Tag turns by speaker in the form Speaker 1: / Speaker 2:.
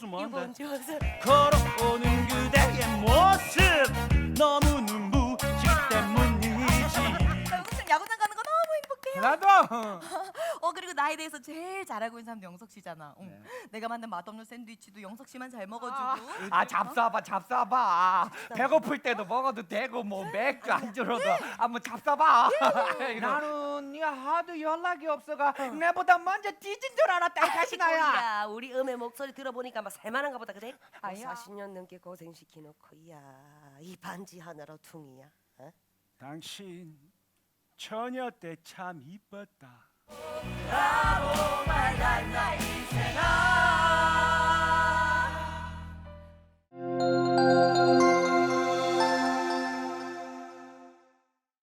Speaker 1: 뭔데?
Speaker 2: 좋아서
Speaker 1: 걸어오는 그대의 모습 너무 눈부시기 때문이지.
Speaker 2: 영석 씨 야구장 가는 거 너무 행복해요.
Speaker 3: 나도.
Speaker 2: 그리고 나에 대해서 제일 잘하고 있는 사람도 영석 씨잖아. 응.
Speaker 3: 네.
Speaker 2: 내가 만든 맛없는 샌드위치도 영석 씨만 잘 먹어주고.
Speaker 3: 잡숴봐. 배고플 때도 먹어도 되고 뭐 맥주 안주로도 한번 잡숴봐. 나는 야 하도 연락이 없어가 내보다 먼저 뒤진 줄 알았다 이 자식아야.
Speaker 4: 야, 우리 음의 목소리 들어보니까 막 살만한가 보다 그래?
Speaker 3: 아야.
Speaker 4: 40년 넘게 고생시키놓고 야이 반지 하나로 퉁이야. 어?
Speaker 1: 당신 처녀 때 참 이뻤다.
Speaker 2: 나 인생아